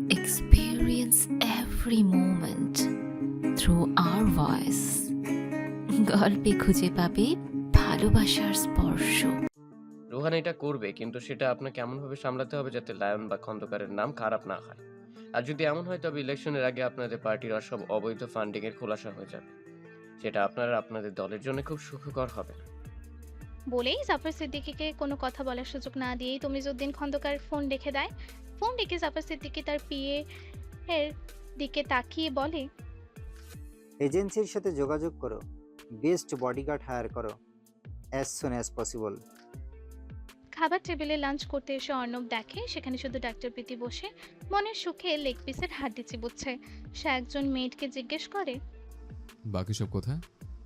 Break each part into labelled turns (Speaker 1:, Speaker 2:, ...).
Speaker 1: experience every moment through our voice. গল্পে খুঁজে পাবে ভালোবাসার স্পর্শ।
Speaker 2: রোহান এটা করবে, কিন্তু সেটা আপনাকে এমনভাবে সামলাতে হবে যাতে লায়ন বা খন্দকারের নাম খারাপ না হয়। আর যদি এমন হয় তবে ইলেকশনের আগে আপনাদের পার্টির সব অবৈধ ফান্ডিং এর খোলাসা হয়ে যাবে। সেটা আপনারা আপনাদের দলের জন্য খুব সুখকর হবে না।
Speaker 3: বলেই জাফর সিদ্দিকীকে কোনো কথা বলার সুযোগ না দিয়েই তমিজউদ্দিন খন্দকার ফোন রেখে দেয়। ফোন রেখে জাফর সিদ্দিকী তার পিএ এর দিকে তাকিয়ে বলে,
Speaker 4: এজেন্সির সাথে যোগাযোগ করো, বেস্ট বডিগার্ড হায়ার করো অ্যাজ সুন অ্যাজ পসিবল।
Speaker 3: খাবার টেবিলে লাঞ্চ করতে এসে অর্ণব দেখে সেখানে শুধু ডাক্তার প্রীতি বসে মনের সুখে লেগ পিসের হাড্ডি চিবুচ্ছে। সে একজন মেয়েটকে জিজ্ঞেস করে,
Speaker 5: বাকি সব কোথায়?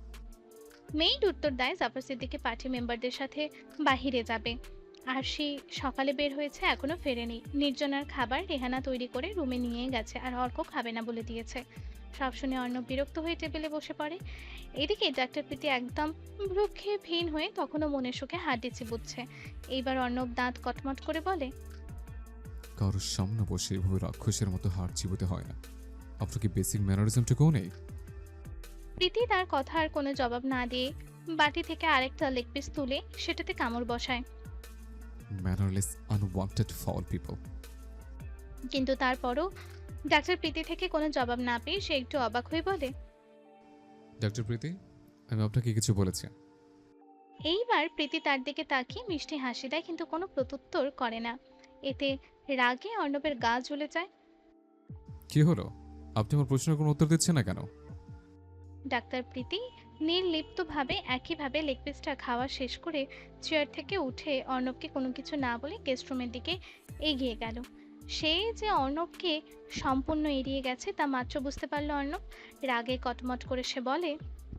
Speaker 3: মেইড উত্তর দেয় জাফর সিদ্দিকী পার্টি মেম্বারদের সাথে বাহিরে যাবে। আর সে সকালে বের হয়েছে, এখনো ফেরেনি। নির্জনার খাবার রেহানা তৈরি করে রুমে নিয়ে গেছে আর অর্ক খাবে না বলে দিয়েছে। সব শুনে অর্ণব বিরক্ত হয়ে টেবিলে বসে পড়ে। এদিকে ডাক্তার প্রীতি একদম ভ্রুক্ষেপহীন হয়ে তখনও মনের সুখে হাড্ডি চিবুচ্ছে। এইবার অর্ণব দাঁত কটমট করে বলে,
Speaker 5: কারোর সামনে বসে এভাবে রাক্ষসের মতো হাড় চিবোতে হয় না। আপনার কি বেসিক ম্যানারিজমটুকুও নেই?
Speaker 3: প্রীতি তার কথা আর কোনো জবাব না দিয়ে বাটি থেকে আরেকটা লেগ পিস তুলে সেটাতে কামড় বসায়।
Speaker 5: Mannerless unwanted foul people.
Speaker 3: কিন্তু তারপরও ডাক্তার প্রীতি থেকে কোনো জবাব না পেয়ে সে একটু অবাক হয়ে বলে,
Speaker 5: ডাক্তার প্রীতি, আমি আপনাকে কিছু বলেছি।
Speaker 3: এইবার প্রীতি তার দিকে তাকিয়ে মিষ্টি হাসি দেয় কিন্তু কোনো প্রত্যুত্তর করে না। এতে রাগে অর্ণবের গা জ্বলে যায়।
Speaker 5: কি হলো? আপনি আমার প্রশ্নের কোনো উত্তর দিচ্ছেন না কেন?
Speaker 3: ডাক্তার প্রীতি নির্লিপ্তভাবে একইভাবে লেগ পিসটা খাওয়া শেষ করে চেয়ার থেকে উঠে অর্ণবকে কোনো কিছু না বলে গেস্ট রুমের দিকে এগিয়ে গেল। সে যে অর্ণবকে সম্পূর্ণ এড়িয়ে গেছে তা মাত্র বুঝতে পারল অর্ণব। রাগে কটমট করে সে বলে,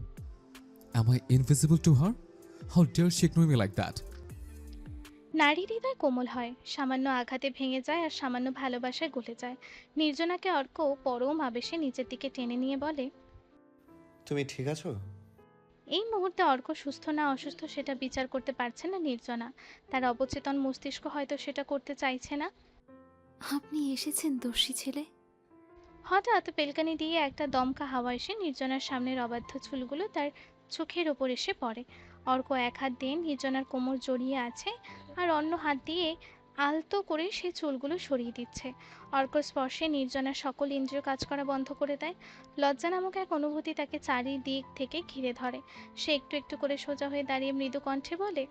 Speaker 5: Am I invisible to her? How dare she ignore me like that?
Speaker 3: নারী হৃদয় কোমল হয়, সামান্য আঘাতে ভেঙে যায় আর সামান্য ভালোবাসায় গলে যায়। নির্জনাকে অর্ক পরম আবেশে নিচের দিকে টেনে নিয়ে বলে,
Speaker 6: তুমি ঠিক আছো?
Speaker 3: এই মুহূর্তে অর্ক সুস্থ না অসুস্থ সেটা বিচার করতে পারছে না নির্জনা। তার অবচেতন মস্তিষ্ক হয়তো সেটা করতে চাইছে না।
Speaker 1: আপনি এসেছেন দস্যি ছেলে।
Speaker 3: হঠাৎ পেলকানি দিয়ে একটা দমকা হাওয়া এসে নির্জনার সামনের অবাধ্য চুলগুলো তার চোখের ওপর এসে পড়ে। অর্ক এক হাত দিয়ে নির্জনার কোমর জড়িয়ে আছে আর অন্য হাত দিয়ে আলতো করে সে চুলগুলো সরিয়ে দিচ্ছে। অর্ক স্পর্শে নির্জনার সকল ইন্দ্রিয় কাজ করা বন্ধ করে দেয়। লজ্জা নামক এক অনুভূতি তাকে চারিদিক থেকে ঘিরে ধরে। সে একটু একটু করে সোজা হয়ে দাঁড়িয়ে মৃদু কণ্ঠে বলে,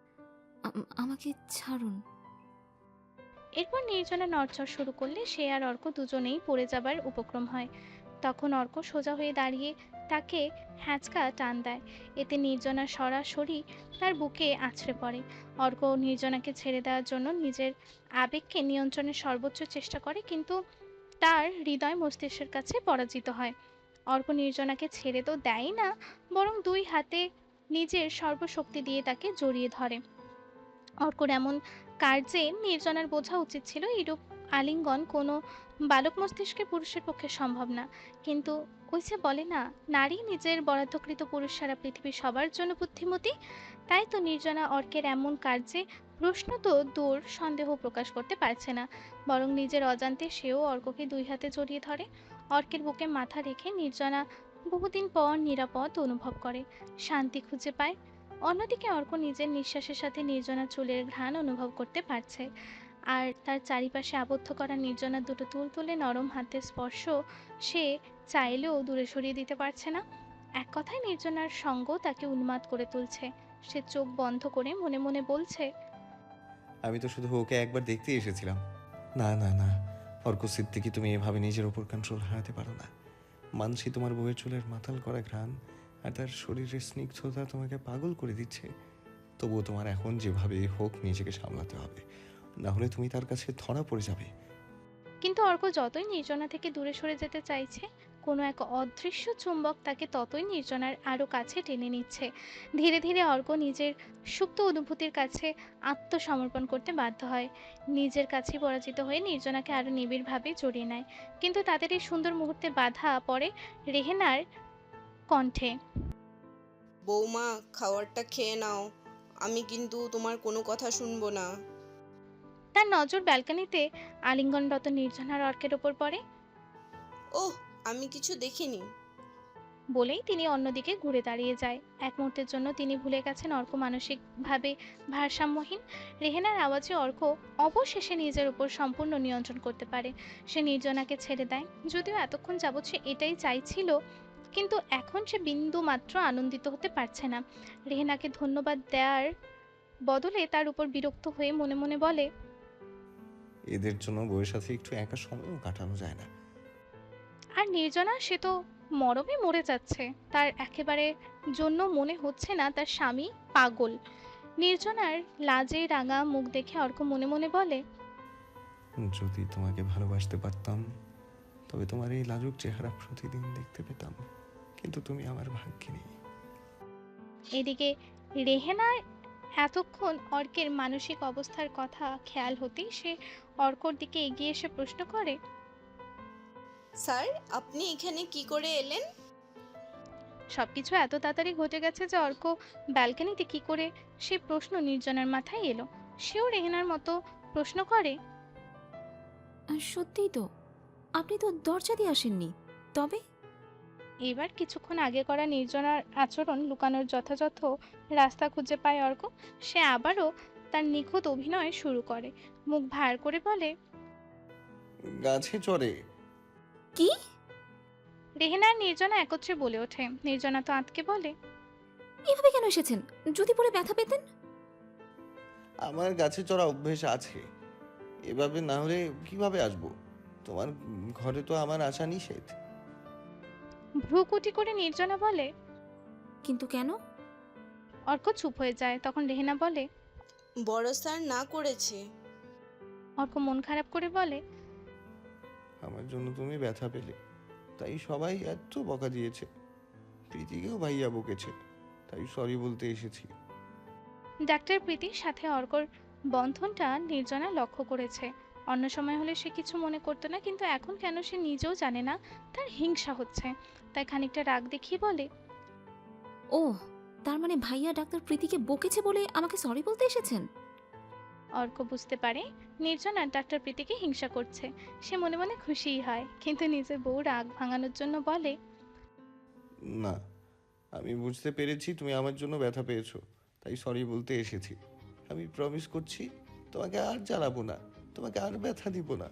Speaker 1: আমাকে ছাড়ুন।
Speaker 3: এরপর নির্জনা নড়চড় শুরু করলে সে আর অর্ক দুজনেই পড়ে যাবার উপক্রম হয়। তখন অর্ক সোজা হয়ে দাঁড়িয়ে তাকে হ্যাঁচকা টান দেয়। এতে নির্জনা সরাসরি তার বুকে আছড়ে পড়ে। অর্ক নির্জনাকে ছেড়ে দেওয়ার জন্য নিজের আবেগকে নিয়ন্ত্রণের সর্বোচ্চ চেষ্টা করে, কিন্তু তার হৃদয় মস্তিষ্কের কাছে পরাজিত হয়। অর্ক নির্জনাকে ছেড়ে তো দেয় না, বরং দুই হাতে নিজের সর্বশক্তি দিয়ে তাকে জড়িয়ে ধরে। অর্কর এমন কার্যে নির্জনার বোঝা উচিত ছিল এরূপ আলিঙ্গন কোনো বালক মস্তিষ্কে পুরুষের পক্ষে সম্ভব না। কিন্তু ওই যে বলে না, নারী নিজের বরাদ্দকৃত পুরুষ সারা পৃথিবী সবার জন্য বুদ্ধিমতী। তাই তো নির্জনা অর্কের এমন কার্যে প্রশ্ন তো দূর, সন্দেহ প্রকাশ করতে পারছে না, বরং নিজের অজান্তে সেও অর্ককে দুই হাতে জড়িয়ে ধরে। অর্কের বুকে মাথা রেখে নির্জনা বহুদিন পর নিরাপদ অনুভব করে, শান্তি খুঁজে পায়। অন্যদিকে অর্ক নিজের নিঃশ্বাসের সাথে নির্জনার চুলের ঘ্রাণ অনুভব করতে পারছে, আর তার চারিপাশে আবদ্ধ করা নির্জনার দুটো তুলতুলে নরম হাতের স্পর্শ সে চাইলেও দূরে সরিয়ে দিতে পারছে না। এক কথায় নির্জনার সঙ্গ তাকে উন্মাদ করে তুলছে। সে চোখ বন্ধ করে মনে মনে বলছে,
Speaker 6: আমি তো শুধু ওকে একবার দেখতে এসেছিলাম। না না না, অর্ক সিদ্দিকী, তুমি এভাবে নিজের ওপর কন্ট্রোল হারাতে পারো না। মানসি তোমার বউয়ের চুলের মাতাল করা ঘ্রাণ আর তার শরীরের স্নিগ্ধতা তোমাকে পাগল করে দিচ্ছে। তবুও তোমার এখন যেভাবে হোক নিজেকে সামলাতে হবে, না হলে তুমি তার কাছে ধরা পড়ে যাবে।
Speaker 3: কিন্তু অর্ক যতই নির্জনা থেকে দূরে সরে যেতে চাইছে, কোনো এক অদৃশ্য চুম্বক তাকে ততই নির্জনার আরও কাছে টেনে নিচ্ছে। ধীরে ধীরে অর্ক নিজের সুপ্ত অনুভূতির কাছে আত্মসমর্পণ করতে বাধ্য হয়। নিজের কাছে পরাজিত হয়ে নির্জনাকে আরও নিবিড়ভাবে জড়িয়ে নেয়। কিন্তু তাদের এই সুন্দর মুহূর্তে বাধা পড়ে রেহেনার কণ্ঠে।
Speaker 7: বৌমা, খাবারটা খেয়ে নাও, আমি কিন্তু তোমার কোনো কথা শুনবো না।
Speaker 3: তার নজর ব্যালকনিতে আলিঙ্গনরত নির্জনার অর্কের ওপর পড়ে।
Speaker 7: ওহ, আমি কিছু দেখিনি।
Speaker 3: বলেই তিনি অন্যদিকে ঘুরে দাঁড়িয়ে যায়। এক মুহূর্তের জন্য তিনি ভুলে গেছেন অর্ক মানসিকভাবে ভারসাম্যহীন। রেহেনার আওয়াজে অর্ক অবশেষে নিজের উপর সম্পূর্ণ নিয়ন্ত্রণ করতে পারে। সে নির্জনাকে ছেড়ে দেয়, যদিও এতক্ষণ যাবৎ সে এটাই চাইছিল, কিন্তু এখন সে বিন্দু মাত্র আনন্দিত হতে পারছে না। রেহেনাকে ধন্যবাদ দেওয়ার বদলে তার উপর বিরক্ত হয়ে মনে মনে বলে,
Speaker 6: এদের জন্য বউয়ের সাথে একটু একা সময়ও কাটানো যায় না।
Speaker 3: আর নির্জনা, সে তো মরমে মরে যাচ্ছে। তার একেবারে জন্য মনে হচ্ছে না তার স্বামী পাগল। নির্জনার লাজে রাঙা মুখ দেখে অর্ক মনে মনে বলে,
Speaker 6: যদি তোমাকে ভালোবাসতে পারতাম তবে তোমার এই লাজুক চেহারা প্রতিদিন দেখতে পেতাম, কিন্তু তুমি আমার ভাগ্যে নেই।
Speaker 3: এদিকে রেহেনা এতক্ষণ অর্কের মানসিক অবস্থার কথা খেয়াল হতেই সে অর্কর দিকে এগিয়ে এসে প্রশ্ন করে,
Speaker 7: স্যার, আপনি এখানে কি করে এলেন?
Speaker 3: সবকিছু এত তাড়াতাড়ি ঘটে গেছে যে অর্ক ব্যালকনিতে কি করে সে প্রশ্ন নির্জনার মাথায় এলো। সেও রেহেনার মতো প্রশ্ন করে,
Speaker 1: সত্যিই তো, আপনি তো দরজা দিয়ে আসেননি, তবে
Speaker 3: এবার কিছুক্ষণ আগে করা নির্জনার আচরণ লুকানোর যথাযথ রাস্তা খুঁজে পায় অর্ক। সে আবারও তার নিখুঁত অভিনয় শুরু করে, মুখ ভার করে বলে,
Speaker 6: গাছে চড়ে।
Speaker 1: কি?
Speaker 3: রেহেনা আর নির্জনা একত্রে বলে ওঠে। নির্জনা তো আঁতকে বলে,
Speaker 1: এভাবে কেন এসেছেন? যদি পরে ব্যথা পেতেন।
Speaker 6: আমার গাছে চড়া অভ্যেস আছে, এভাবে না হলে কিভাবে আসবো? তোমার ঘরে তো আমার আসা নিষেধ।
Speaker 3: ভ্রুকুটি করে নির্জনা বলে।
Speaker 1: কিন্তু কেন?
Speaker 3: অর্ক চুপ হয়ে যায়। তখন রেহেনা বলে,
Speaker 7: বড় স্যার না করেছে।
Speaker 3: অর্ক মন খারাপ করে বলে,
Speaker 6: আমার জন্য তুমি ব্যথা পেলে, তাই সবাই এত বকা দিয়েছে। প্রীতিকেও ভাইয়া বকেছে, তাই সরি বলতে এসেছি।
Speaker 3: ডাক্তার প্রীতির সাথে অর্কর বন্ধনটা নির্জনা লক্ষ্য করেছে। অন্য সময় হলে সে কিছু মনে করতো না, কিন্তু এখন কেন সে নিজেও জানে না, তার হিংসা হচ্ছে। তাই খানিকটা রাগ দেখিয়ে বলে,
Speaker 1: ও, তার মানে ভাইয়া ডাক্তার প্রীতিকে বকেছে বলে আমাকে সরি বলতে এসেছেন?
Speaker 3: অর্ক বুঝতে পারে নির্জনা ডাক্তার প্রীতিকে হিংসা করছে। সে মনে মনে খুশিই হয়, কিন্তু নিজের বউ রাগ ভাঙানোর জন্য বলে,
Speaker 6: না, আমি বুঝতে পেরেছি তুমি আমার জন্য ব্যথা পেয়েছো, তাই সরি বলতে এসেছি। আমি প্রমিস করছি তোমাকে আর জ্বালাবো না, তোমাকে আর ব্যথা দিব না।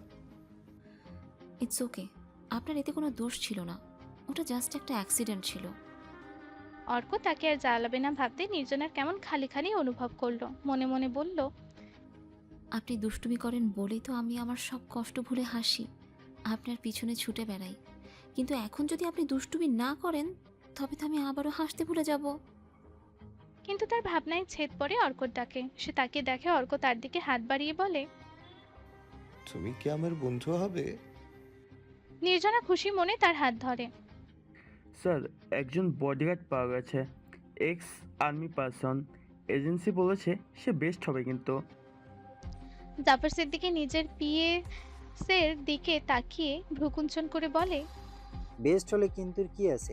Speaker 1: ইটস ওকে, আপনার এতে কোনো দোষ ছিল না, ওটা জাস্ট একটা অ্যাক্সিডেন্ট ছিল।
Speaker 3: অর্ক তাকে আর জ্বালাবে না ভাবতে নির্জনার কেমন খালি খালি অনুভব করলো। মনে মনে বলল,
Speaker 1: আপনি দুষ্টুমি করেন বলেই তো আমি আমার সব কষ্ট ভুলে হাসি, আপনার পিছনে ছুটে বেড়াই। কিন্তু এখন যদি আপনি দুষ্টুমি না করেন, তবে তো আমি আবারও হাসতে ভুলে যাব।
Speaker 3: কিন্তু তার ভাবনায় ছেদ পড়ে অর্কর ডাকে। সে তাকে দেখে অর্ক তার দিকে হাত বাড়িয়ে বলে,
Speaker 6: তুমি কি আমার বন্ধু হবে?
Speaker 3: নির্জনা খুশি মনে তার হাত ধরে।
Speaker 8: স্যার, একজন বডিগার্ড পাওয়া গেছে, এক্স আর্মি পারসন। এজেন্সি বলেছে সে বেস্ট হবে। কিন্তু
Speaker 3: জাফর সিদ্দিকী নিজের পিএসের দিকে তাকিয়ে ভ্রুকুঞ্চন করে বলে,
Speaker 4: বেস্ট হলে কিন্তু কি আছে?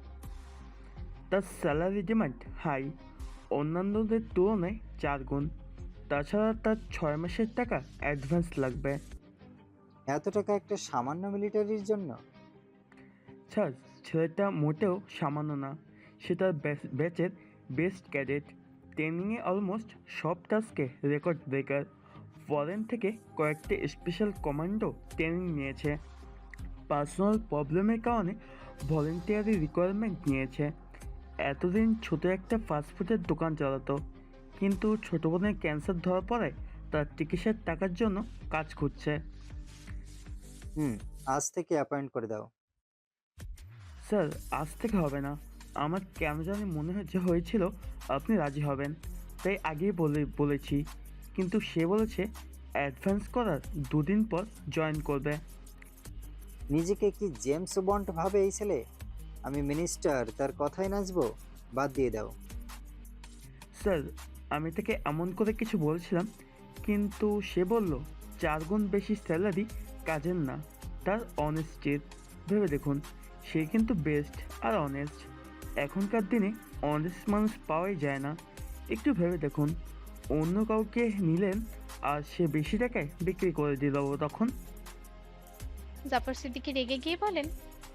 Speaker 8: তার স্যালারি ডিমান্ড হাই, অন্যান্যদের তুলনায় 4 গুণ। তাছাড়া তার 6 মাসের টাকা অ্যাডভান্স লাগবে।
Speaker 4: এত টাকা একটা সামান্য মিলিটারির জন্য?
Speaker 8: স্যার, ছেলেটা মোটেও সামান্য না, সে তার ব্যাচের বেস্ট ক্যাডেট। ট্রেনিংয়ে অলমোস্ট সব টাস্কে রেকর্ড ব্রেকার। ফরেন থেকে কয়েকটি স্পেশাল কমান্ডো ট্রেনিং নিয়েছে। পার্সোনাল প্রবলেমের কারণে ভলেন্টিয়ারি রিকোয়ারমেন্ট নিয়েছে। এতদিন ছোট একটা ফাস্টফুডের দোকান চালাতো, কিন্তু ছোটো বোনের ক্যান্সার ধরা পড়ে তার চিকিৎসার টাকার জন্য কাজ করছে।
Speaker 4: আজ থেকে অ্যাপয়েন্ট করে দাও।
Speaker 8: স্যার, আজ থেকে হবে না। আমার কেন জানি মনে হয়েছিল আপনি রাজি হবেন, তাই আগেই বলেছি। কিন্তু সে বলেছে অ্যাডভান্স করার 2 দিন পর জয়েন করবে।
Speaker 4: নিজেকে কি জেমস বন্ড ভাবে এই ছেলে? আমি মিনিস্টার, তার কথাই নাচবো? বাদ দিয়ে দাও।
Speaker 8: স্যার, আমি তাকে এমন করে কিছু বলছিলাম, কিন্তু সে বলল 4 গুণ বেশি স্যালারি কাজের না, তার অনেস্টির। ভেবে দেখুন, সে কিন্তু বেস্ট আর অনেস্ট। এখনকার দিনে অনেস্ট মানুষ পাওয়াই যায় না। একটু ভেবে দেখুন, অন্য কাউকে নিলেন আর সে বেশি টাকায় বিক্রি করে দিল তখন?
Speaker 3: জাফর সিদ্দিকী রেগে গিয়ে বলেন,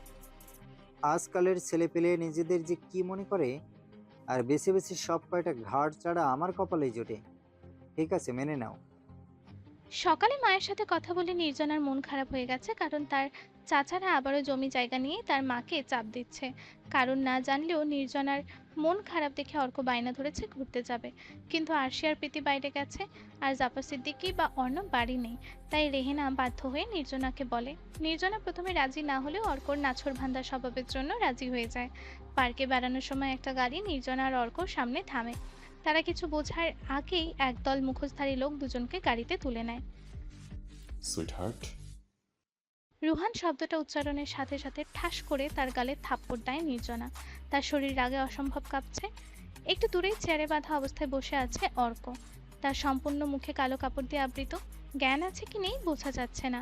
Speaker 4: আজকালের ছেলেপেলে নিজেদের যে কি মনে করে, আর বেছে বেছে সব কয়টা ঘাড় ছাড়া আমার কপালেই জোটে। ঠিক আছে, মেনে নাও।
Speaker 3: সকালে মায়ের সাথে কথা বলে নির্জনার মন খারাপ হয়ে গেছে, কারণ তার চাচারা আবারও জমি জায়গা নিয়ে তার মাকে চাপ দিচ্ছে। কারণ না জানলেও নির্জনার মন খারাপ দেখে অর্ক বায়না ধরেছে ঘুরতে যাবে, কিন্তু আরশি আর প্রীতি বাইরে গেছে, আর জাফর সিদ্দিকী বা অর্ণব বাড়ি নেই। তাই রেহেনা বাধ্য হয়ে নির্জনাকে বলে। নির্জনা প্রথমে রাজি না হলেও অর্কর নাছোড়বান্দা স্বভাবের জন্য রাজি হয়ে যায়। পার্কে বেড়ানোর সময় একটা গাড়ি নির্জনা আর অর্কর সামনে থামে। তারা কিছু বোঝার আগেই একদল মুখোশধারী লোক দুজনকে গাড়িতে তুলে নেয়।
Speaker 9: সুইটহার্ট,
Speaker 3: রুহান শব্দটা উচ্চারণের সাথে সাথে ঠাস করে তার গালে থাপ্পড় দেয় নির্জনা। তার শরীর রাগে অসম্ভব কাঁপছে। একটু দূরেই চেয়ারে বাঁধা অবস্থায় বসে আছে অর্ক। তার সম্পূর্ণ মুখে কালো কাপড় দিয়ে আবৃত। জ্ঞান আছে কি নেই বোঝা যাচ্ছে না।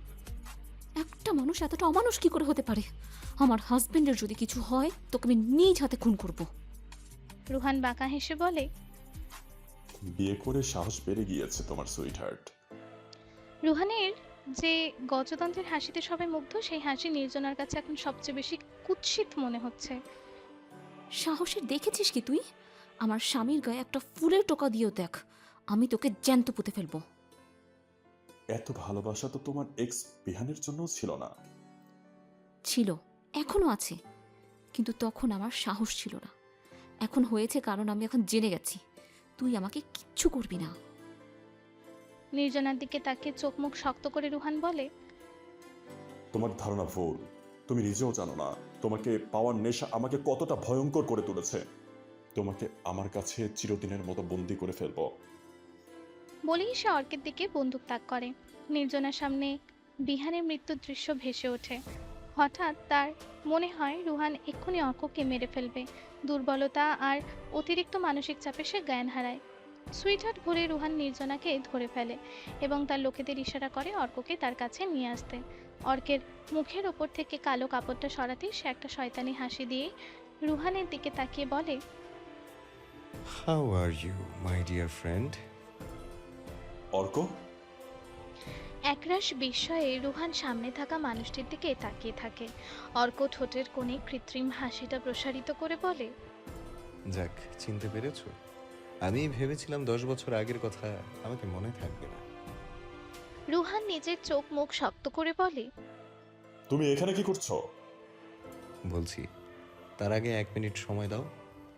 Speaker 1: একটা মানুষ এতটা অমানুষ কি করে হতে পারে? আমার হাজবেন্ডের যদি কিছু হয় তোকে আমি নিজ হাতে খুন করব।
Speaker 3: রুহান বাঁকা হেসে বলে,
Speaker 9: বিয়ে করে সাহস বেড়ে গিয়েছে তোমার সুইটহার্ট।
Speaker 3: রুহানের যে গজতন্ত্রের হাসিতে সবাই মুগ্ধ, সেই হাসি নির্জনার কাছে এখন সবচেয়ে বেশি কুৎসিত মনে হচ্ছে।
Speaker 1: সাহসের দেখেছিস কি তুই? আমার স্বামীর গায়ে একটা ফুলের টোকা দিয়েও দেখ, আমি তোকে জ্যান্ত পুঁতে ফেলবো।
Speaker 9: এত ভালোবাসা তো তোমার এক্স বিহানের জন্য ছিল না।
Speaker 1: ছিল, এখনো আছে, কিন্তু তখন আমার সাহস ছিল না। এখন হয়েছে, কারণ আমি এখন জেনে গেছি তুই আমাকে কিচ্ছু করবি না।
Speaker 3: নির্জনার দিকে তাকিয়ে চোখ মুখ শক্ত করে রুহান বলে,
Speaker 9: তোমার ধারণা ভুল। তুমি নিজেও জানো না তোমাকে পাওয়ার নেশা আমাকে কতটা ভয়ঙ্কর করে তুলেছে। তোমাকে আমার কাছে চিরদিনের মতো বন্দি করে ফেলবো।
Speaker 3: বলেই সে অর্কের দিকে বন্দুক তাক করে। নির্জনার সামনে বিহানের মৃত্যুর দৃশ্য ভেসে ওঠে। হঠাৎ তার মনে হয় রুহান এক্ষুনি অর্ককে মেরে ফেলবে। দুর্বলতা আর অতিরিক্ত মানসিক চাপে সে জ্ঞান হারায়। সুইটহার্ট ভরে রুহান নির্জনাকে ধরে ফেলে এবং তার লোকেদের ইশারা করে অর্ককে তার কাছে নিয়ে আসতে। অর্কের মুখের ওপর থেকে কালো কাপড়টা সরাতেই সে একটা শয়তানি হাসি দিয়ে রুহানের দিকে তাকিয়ে বলে,
Speaker 6: how are you my dear friend?
Speaker 9: Arko,
Speaker 3: একরাশ বিস্ময়ে রুহান সামনে থাকা মানুষটির দিকে তাকিয়ে থাকে। অর্ক ঠোঁটের কোণে কৃত্রিম হাসিটা প্রসারিত করে বলে,
Speaker 6: যাক, চিনতে পেরেছো? আমি ভেবেছিলাম 10 বছর আগের কথা আমাকে মনে থাকবে না।
Speaker 3: রুহান নিজের চোখ মুখ শক্ত করে বলে,
Speaker 9: তুমি এখানে কি করছো?
Speaker 6: বলছি, তার আগে 1 মিনিট সময় দাও।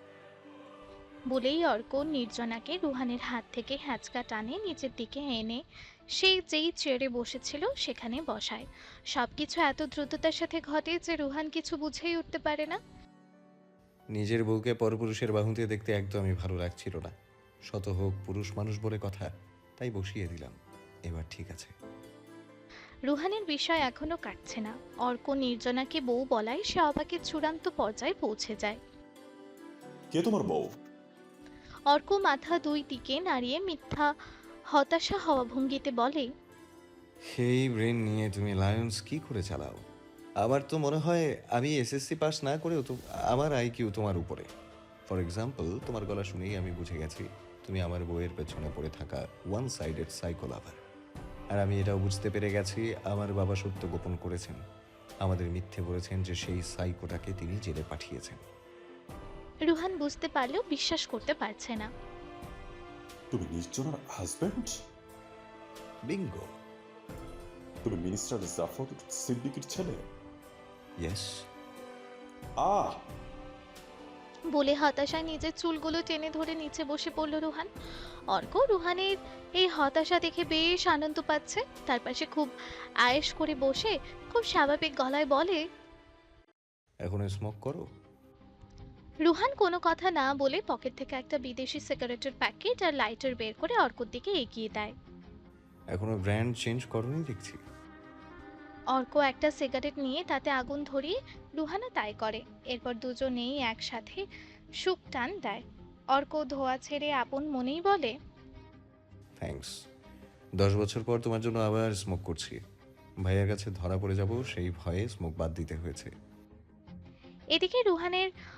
Speaker 3: বলেই অর্ক নির্জনাকে রুহানের হাত থেকে হ্যাঁচকা টানে নিচের দিকে এনে সে যেই চেয়ারে বসেছিল সেখানে বসায়। সবকিছু এত দ্রুততার সাথে ঘটে যে রুহান কিছু বুঝেই উঠতে পারে না।
Speaker 6: নিজের বউকে পরপুরুষের বাহুতে দেখতে একদমই ভালো লাগছিল না। শত হোক পুরুষ মানুষ বলে কথা, তাই বসিয়ে দিলাম। এবার ঠিক আছে।
Speaker 3: রুহানের বিষয় এখনো কাটছে না। অর্ক নির্জনাকে বউ বলায় সে অবাকের চূড়ান্ত পর্যায়ে পৌঁছে যায়।
Speaker 9: কে তোমার বউ?
Speaker 3: অর্ক মাথা দুই দিকে নাড়িয়ে মিথ্যা হতাশা হওয়া ভঙ্গিতে বলে,
Speaker 6: সেই ব্রেন নিয়ে তুমি লায়ন্স কি করে চালাও? আমার তো মনে হয় আমি এসএসসি পাস না করেও তো আমার আইকিউ তোমার উপরে। ফর এক্সাম্পল, তোমার গলা শুনেই আমি বুঝে গেছি তুমি আমার বউয়ের পেছনে পড়ে থাকা ওয়ান সাইডেড সাইকো লাভার। আর আমি এটাও বুঝতে পেরে গেছি আমার বাবা সত্য গোপন করেছেন। আমাদের মিথ্যে বলেছেন যে সেই সাইকোটাকে তিনি জেলে পাঠিয়েছেন।
Speaker 3: রুহান বুঝতে পারলেও বিশ্বাস করতে পারছে না।
Speaker 9: তুমি নির্জনার হাজবেন্ড?
Speaker 6: বিঙ্গো।
Speaker 9: তুমি মিনিস্টার জাফর সিদ্দিকীর ছেলে?
Speaker 6: ইয়েস।
Speaker 9: আহ,
Speaker 3: বলে হতাশায় নিজের চুলগুলো টেনে ধরে নিচে বসে পড়ল রুহান। অর্ক রুহানের এই হতাশা দেখে বেশ আনন্দ পাচ্ছে। তার পাশে খুব আয়েশ করে বসে খুব স্বাভাবিক গলায় বলে,
Speaker 6: এখন স্মোক করো।
Speaker 3: রুহান কোনো কথা না বলে পকেট থেকে একটা বিদেশি সিগারেটের প্যাকেট আর লাইটার বের করে অর্কর দিকে এগিয়ে দেয়।
Speaker 6: এখনো ব্র্যান্ড চেঞ্জ করোনি দেখছি।
Speaker 3: অর্ক একটা সিগারেট নিয়ে তাতে আগুন ধরিয়ে রুহানও তাই করে। এরপর দুজনেই একসাথে সুখ টান দেয়। অর্ক ধোয়া ছেড়ে আপন মনেই বলে,
Speaker 6: থ্যাঙ্কস। 10 বছর পর তোমার জন্য আবার স্মোক করছি। ভাইয়ের কাছে ধরা পড়ে যাব সেই ভয়ে স্মোক বাদ দিতে হয়েছে।
Speaker 3: এদিকে রুহানের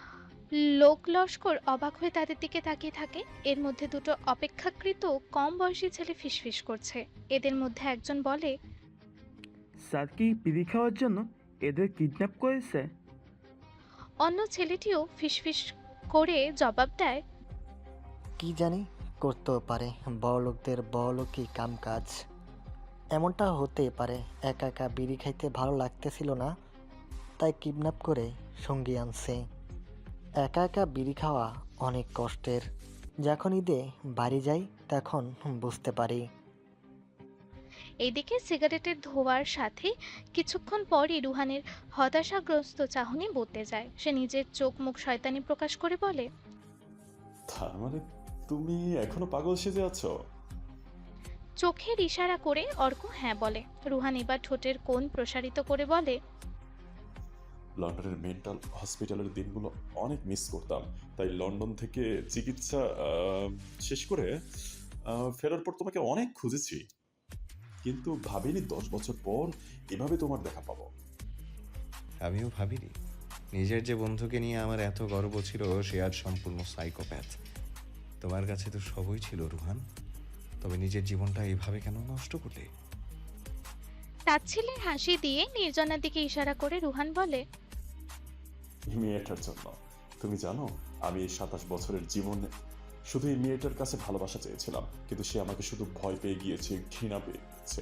Speaker 3: লোক লস্কর অবাক হয়ে তাদের দিকে তাকিয়ে থাকে। এর মধ্যে দুটো অপেক্ষাকৃত কম বয়সী ছেলে ফিসফিস করছে। এদের মধ্যে একজন বলে,
Speaker 8: স্যার কি বিড়ি খাওয়ার জন্য এদের কিডন্যাপ করেছে?
Speaker 3: অন্য ছেলেটিও ফিসফিস করে জবাব দেয়,
Speaker 10: কি জানি, করতেও পারে, বড়লোকদের বড়লোকই কাম কাজ। এমনটা হতে পারে, একা একা বিড়ি খাইতে ভালো লাগতেছিল না, তাই কিডন্যাপ করে সঙ্গী আনছে। একা একা বিড়ি খাওয়া অনেক কষ্টের। যখন ঈদে বাড়ি যাই তখন বুঝতে পারি।
Speaker 3: এইদিকে সিগারেটের ধোঁয়ার সাথে কিছুক্ষণ পরই রুহানের হতাশাগ্রস্ত চাহনি বদলে যায়। সে নিজের চোখ মুখ শয়তানি প্রকাশ করে বলে,
Speaker 9: তার মানে তুমি এখনো পাগল সেজে আছো?
Speaker 3: চোখের ইশারা করে অর্ক হ্যাঁ বলে। রুহান এবার ঠোঁটের কোণ প্রসারিত করে বলে,
Speaker 9: লন্ডনের মেন্টাল হসপিটালের দিনগুলো অনেক মিস করতাম, তাই লন্ডন থেকে চিকিৎসা শেষ করে ফেরার পর তোমাকে অনেক খুঁজেছি, কিন্তু ভাবিনি 10 বছর পর এভাবে তোমার দেখা পাবো।
Speaker 6: আমিও ভাবিনি নিজের যে বন্ধুকে নিয়ে আমার এত গর্ব ছিল সে আজ সম্পূর্ণ সাইকোপ্যাথ। তোমার কাছে তো সবই ছিল রুহান, তবে নিজের জীবনটা এইভাবে কেন নষ্ট করলে?
Speaker 3: তাচ্ছিল্যের হাসি দিয়ে নির্জনার দিকে ইশারা করে রুহান বলে,
Speaker 9: মেয়েটার জন্য। তুমি জানো, আমি এই 27 বছরের জীবনে শুধু এই মেয়েটার কাছে ভালোবাসা চেয়েছিলাম, কিন্তু সে আমাকে শুধু ভয় পেয়ে গিয়েছে, ঘৃণা পেয়ে গিয়েছে।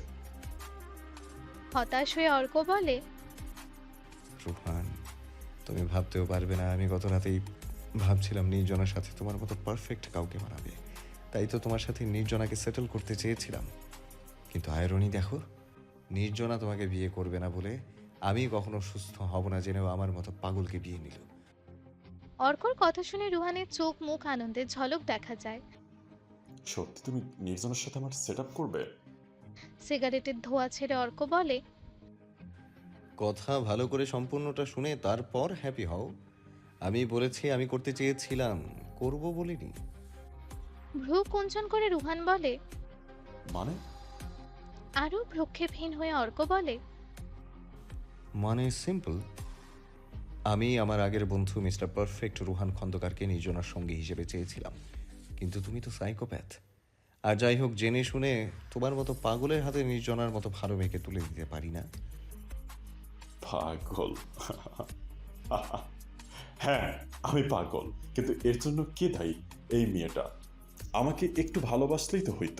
Speaker 3: হতাশ হয়ে অর্ক বলে,
Speaker 6: রুহান, তুমি ভাবতেও পারবে না আমি গত রাতেই ভাবছিলাম নির্জনার সাথে তোমার মতো পারফেক্ট কাউকে মানাবে, তাই তো তোমার সাথে নির্জনাকে সেটেল করতে চেয়েছিলাম। কিন্তু আয়রনি দেখো, নির্জনা তোমাকে বিয়ে করবে না বলে আমি কখনো সুস্থ হব না জেনেও আমার মতো পাগলকে বিয়ে নিল।
Speaker 3: অর্কর কথা শুনে রুহানের চোখ মুখ আনন্দের ঝলক দেখা যায়।
Speaker 9: সত্যি তুমি নির্জনের সাথে আমার সেট আপ করবে?
Speaker 3: সিগারেটের ধোঁয়া ছেড়ে অর্ক বলে,
Speaker 6: কথা ভালো করে সম্পূর্ণটা শুনে তারপর হ্যাপি হও। আমি বলেছি আমি করতে চেয়েছিলাম, করব বলিনি।
Speaker 3: ভ্রু কুঞ্চন করে রুহান বলে,
Speaker 9: মানে?
Speaker 3: আরো ভ্রুক্ষেপহীন হয়ে অর্ক বলে,
Speaker 6: মানে সিম্পল, আমি আমার আগের বন্ধু মিস্টার পারফেক্ট রুহান খন্দকারকে নির্জনার সঙ্গী হিসেবে চেয়েছিলাম, কিন্তু তুমি তো সাইকোপ্যাথ। আর যাই হোক, জেনে শুনে তোমার মতো পাগলের হাতে নির্জনার মতো ভালো মেয়েকে তুলে দিতে পারি না।
Speaker 9: পাগল? হ্যাঁ, আমি পাগল, কিন্তু এর জন্য কে দায়ী? এই মেয়েটা। আমাকে একটু ভালোবাসলেই তো হইতো।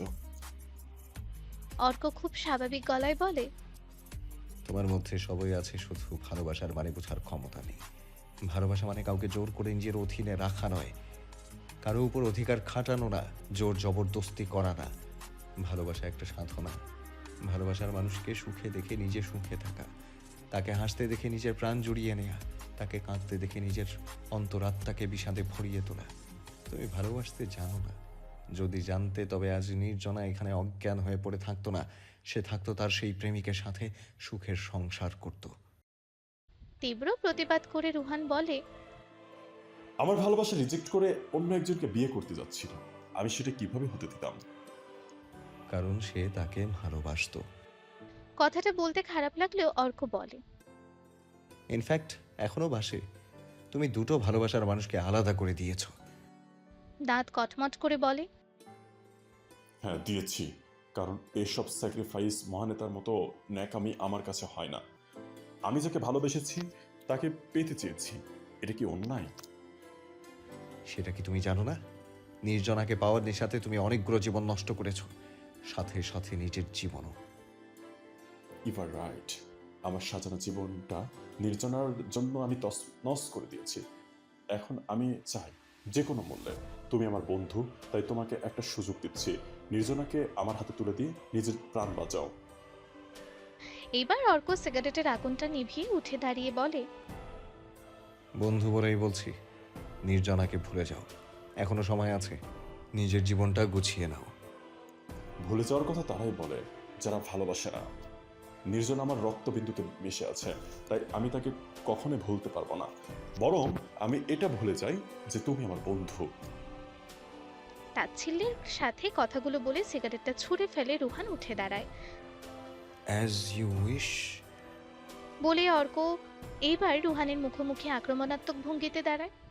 Speaker 3: অর্ক খুব স্বাভাবিক গলায় বলে,
Speaker 6: তোমার মধ্যে সবই আছে, শুধু ভালোবাসার মানে বোঝার ক্ষমতা নেই। ভালোবাসা মানে কাউকে জোর করে নিজের অধীনে রাখা নয়, কারো উপর অধিকার খাটানো না, জোর জবরদস্তি করা না। ভালোবাসা একটা সাধনা। ভালোবাসার মানুষকে সুখে দেখে নিজে সুখে থাকা, তাকে হাসতে দেখে নিজের প্রাণ জুড়িয়ে নেয়া, তাকে কাঁদতে দেখে নিজের অন্তরাত্মাকে বিষাদে ভরিয়ে তোলা। তুমি ভালোবাসতে জানো না। যদি জানতে তবে আজ নির্জনা এখানে অজ্ঞান হয়ে পড়ে থাকতো না, সে থাকতো তার সেই প্রেমিকের সাথে, সুখের সংসার করত।
Speaker 3: তীব্র প্রতিবাদ করে রুহান বলে,
Speaker 9: আমার ভালোবাসা রিজেক্ট করে অন্য একজনকে বিয়ে করতে যাচ্ছিল, আমি সেটা কিভাবে হতে দিতাম?
Speaker 6: কারণ সে তাকে ভালোবাসতো।
Speaker 3: কথাটা বলতে খারাপ লাগলেও অর্ক বলে,
Speaker 6: ইনফ্যাক্ট এখনো বাসে। তুমি দুটো ভালোবাসার মানুষকে আলাদা করে দিয়েছো।
Speaker 3: দাঁত কটমট করে বলে,
Speaker 9: হ্যাঁ দিয়েছি, কারণ এসব স্যাক্রিফাইস মহানেতার মতো ন্যাকামি আমার কাছে হয় না। আমি যাকে ভালোবেসেছি তাকে পেতে চেয়েছি, এটা কি অন্যায়?
Speaker 6: সেটা কি তুমি জানো না? নির্জনাকে পাওয়ার নেশাতে তুমি অনেকগুলো জীবন নষ্ট করেছো, সাথে সাথে নিজের জীবনও।
Speaker 9: ইউ আর রাইট, আমার সাজানো জীবনটা নির্জনার জন্য আমি তছনছ করে দিয়েছি। এখন আমি চাই যে কোনো মূল্যে, তুমি আমার বন্ধু, তাই তোমাকে একটা সুযোগ দিচ্ছি, নির্জনাকে আমার হাতে তুলে দিয়ে নিজের প্রাণ বাঁচাও।
Speaker 3: এইবার অর্ক সিগারেটের আগুনটা নিভিয়ে উঠে দাঁড়িয়ে বলে,
Speaker 6: বন্ধু বলেই বলছি, নির্জনাকে ভুলে যাও, এখনো সময় আছে, নিজের জীবনটা গুছিয়ে নাও।
Speaker 9: ভুলে যাওয়ার কথা তারাই বলে যারা ভালোবাসে না। নির্জন আমার রক্তবিন্দুতে মিশে আছে, তাই আমি তাকে কখনোই ভুলতে পারবো না। বরং আমি এটা ভুলে যাই যে তুমি আমার বন্ধু।
Speaker 3: তাচ্ছিল্যের সাথে কথাগুলো বলে সিগারেটটা ছুঁড়ে ফেলে রুহান উঠে দাঁড়ায়।
Speaker 6: অ্যাজ ইউ উইশ
Speaker 3: বলে অর্ক এইবার রুহানের মুখোমুখি আক্রমণাত্মক ভঙ্গিতে দাঁড়ায়।